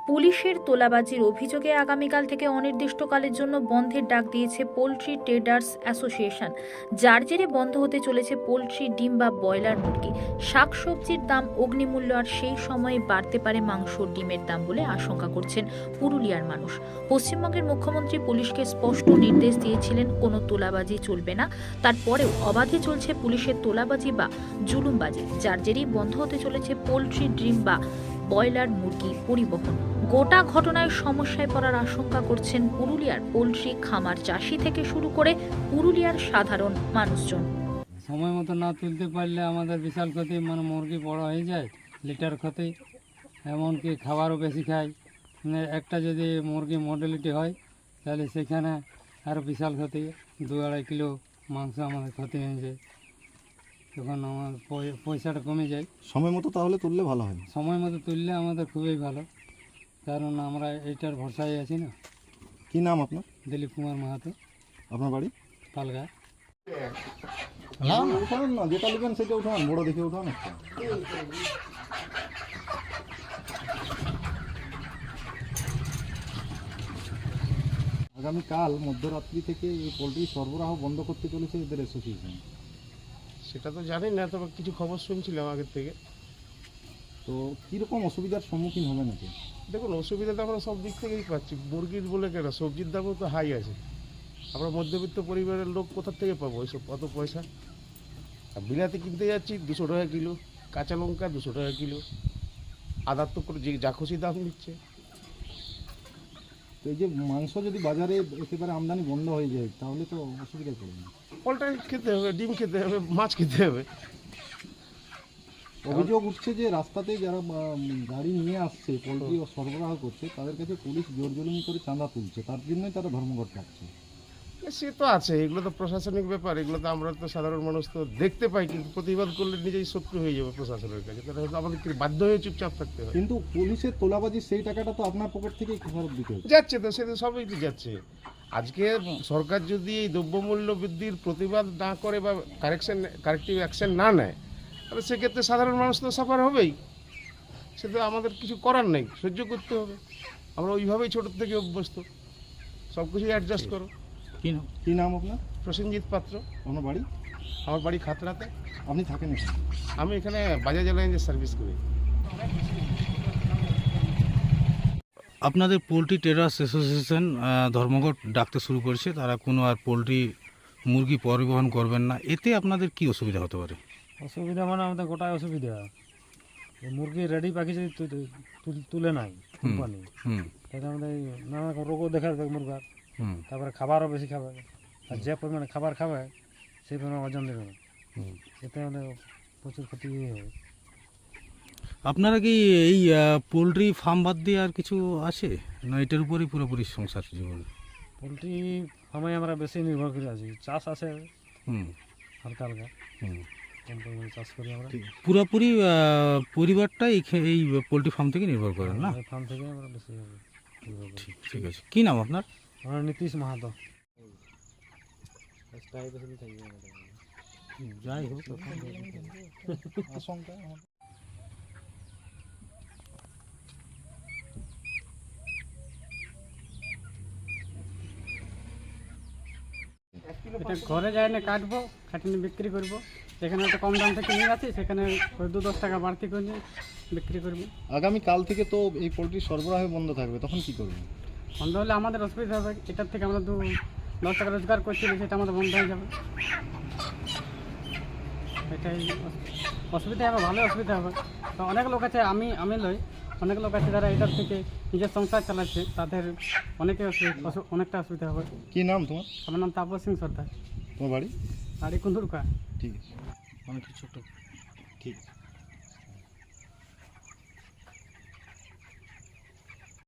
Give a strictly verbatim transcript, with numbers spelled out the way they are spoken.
পুলিশের তোলাবাজির অভিযোগে আগামীকাল থেকে অনির্দিষ্টকালের জন্য বন্ধের ডাক দিয়েছে পোল্ট্রি ট্রেডার্স অ্যাসোসিয়েশন। যার জেরে বন্ধ হতে চলেছে পোল্ট্রি, ডিম বা ব্রয়লার মুরগি। শাকসবজির দাম অগ্নিমূল্য, আর সেই সময়ে বাড়তে পারে মাংস, ডিমের দাম বলে আশঙ্কা করছেন পুরুলিয়ার মানুষ। পশ্চিমবঙ্গের মুখ্যমন্ত্রী পুলিশকে স্পষ্ট নির্দেশ দিয়েছিলেন কোনো তোলাবাজি চলবে না। তারপরেও অবাধে চলছে পুলিশের তোলাবাজি বা জুলুমবাজি, যার জেরেই বন্ধ হতে চলেছে পোল্ট্রি, ডিম বা ব্রয়লার মুরগি পরিবহন। গোটা ঘটনায় সমস্যায় পড়ার আশঙ্কা করছেন পুরুলিয়ার পোল্ট্রি খামার চাষি থেকে শুরু করে পুরুলিয়ার সাধারণ মানুষজন। সময় মতো না তুলতে পারলে আমাদের বিশাল ক্ষতি, মানে মুরগি বড় হয়ে যায়, লিটার ক্ষতি, এমনকি খাবারও বেশি খায়। মানে একটা যদি মুরগি মর্টালিটি হয় তাহলে সেখানে আরও বিশাল ক্ষতি, দু আড়াই কিলো মাংস আমাদের ক্ষতি হয়ে যায়, তখন আমার পয়সাটা কমে যায়। সময় মতো তাহলে তুললে ভালো হয়। সময় মতো তুললে আমাদের খুবই ভালো, কারণ আমরা এইটার ভরসায় আছি না। কি নাম আপনার? দিলীপ কুমার মাহাতো। আপনার বাড়ি? পালগা। না উঠান না, যেটা নেবেন সেটা উঠান, বড় দেখে উঠান একটা। আগামীকাল মধ্যরাত্রি থেকে এই পোলট্রি সরবরাহ বন্ধ করতে চলেছে এদের অ্যাসোসিয়েশন। সেটা তো জানি না, তবে কিছু খবর শুনছিলাম আগের থেকে। তো কীরকম অসুবিধার সম্মুখীন হবে নাকি? দেখুন, অসুবিধা তো আমরা সব দিক থেকেই পাচ্ছি। মুরগির বলে কেন, সবজির দামও তো হাই আছে। আমরা মধ্যবিত্ত পরিবারের লোক কোথা থেকে পাবো ওইসব অত পয়সা? আর বিলাতি কিনতে যাচ্ছি দুশো টাকা কিলো, কাঁচা লঙ্কা দুশো টাকা কিলো, আদার তো করে যে যা খুশি দাম নিচ্ছে। তো এই যে মাংস যদি বাজারে একেবারে আমদানি বন্ধ হয়ে যায় তাহলে তো অসুবিধা করবে না? পোলট্রি খেতে হবে, ডিম খেতে হবে, মাছ খেতে হবে। অভিযোগ উঠছে যে রাস্তাতে যারা গাড়ি নিয়ে আসছে পোলট্রি সরবরাহ করছে তাদের কাছে পুলিশ জোর জুলুমি করে চাঁদা তুলছে, তার জন্যই তারা ধর্মঘট ডাকছে। সে তো আছে, এগুলো তো প্রশাসনিক ব্যাপার, এগুলো তো আমরা তো সাধারণ মানুষ তো দেখতে পাই, কিন্তু প্রতিবাদ করলে নিজেই শত্রু হয়ে যাবে প্রশাসনের কাছে। তাহলে হয়তো আমাদের বাধ্য হয়ে চুপচাপ থাকতে হয়। কিন্তু পুলিশের তোলাবাজির সেই টাকাটা তো আপনার পকেট থেকেই ফেরত দিতে হবে। যাচ্ছে তো, সে তো সবই তো যাচ্ছে। আজকে সরকার যদি এই দ্রব্যমূল্য বৃদ্ধির প্রতিবাদ না করে বা কারেকশন কারেক্টিভ অ্যাকশন না নেয়, তাহলে সেক্ষেত্রে সাধারণ মানুষ তো সাফার হবেই। সে তো আমাদের কিছু করার নেই, সহ্য করতে হবে। আমরা ওইভাবেই ছোটোর থেকে অভ্যস্ত, সব কিছুই অ্যাডজাস্ট করো। কি নাম কি নাম আপনার? প্রসেনজিৎ পাত্র। আপনার বাড়ি? আমার বাড়ি খাতড়াতে। আপনি থাকেন এখানে? আমি এখানে বাজাজ এলায়েন্সের সার্ভিস করি। আপনাদের পোলট্রি ট্রেডার্স অ্যাসোসিয়েশন ধর্মঘট ডাকতে শুরু করেছে, তারা কোনো আর পোলট্রি মুরগি পরিবহন করবেন না, এতে আপনাদের কি অসুবিধা হতে পারে? অসুবিধা মানে আমাদের গোটাই অসুবিধা। এই মুরগি রেডি পাখি যদি তুলে নাই কোম্পানি, তাহলে আমাদের নানা রোগও দেখা যাবে মুরগার। তারপরে খাবারও বেশি খাবে, আর যে পরিমাণে খাবার খাবে সেই পরিমাণে ওজন দেবে না, এতে আমাদের প্রচুর ক্ষতি হবে। আপনারা কি এই পোলট্রি ফার্ম বাদ দিয়ে আর কিছু আছে না এটার উপরেই পুরোপুরি সংসার জীবন? পোলট্রি ফার্মে আমরা বেশি নির্ভর করে আছি, চাষ আছে হুম হালকা হালকা, কম পরিমাণে চাষ করি আমরা। পুরোপুরি পরিবারটা এই এই পোলট্রি ফার্ম থেকে নির্ভর করেন না? ফার্ম থেকে আমরা বেশি নির্ভর করি। ঠিক ঠিক আছে। কী নাম আপনার? আমার নীতিশ মাহাতো। যাই হোক, আশঙ্কা এটা ঘরে যাই না কাটবো, কাটিয়ে বিক্রি করবো। যেখানে একটা কম দাম থেকে নিয়ে যাচ্ছি সেখানে ওই দু দশ টাকা বাড়তি করে বিক্রি করবো। আগামীকাল থেকে তো এই পোলট্রি সরবরাহ বন্ধ থাকবে, তখন কি করবেন? বন্ধ হলে আমাদের অসুবিধা হবে, এটার থেকে আমরা দু দশ টাকা রোজগার করছি, সেটা আমাদের বন্ধ হয়ে যাবে। এটাই অসুবিধা হবে, ভালো অসুবিধা হবে। তো অনেক লোক আছে, আমি আমি লই অনেক লোক আছে যারা এটার থেকে নিজের সংসার চালাচ্ছে, তাদের অনেকে অনেকটা অসুবিধা হবে। কি নাম তোমার? আমার নাম তাপস সিং সর্দার। তোমার বাড়ি? বাড়ি কুন্দুরকা। ঠিক আছে, অনেক ছোট। ঠিক আছে।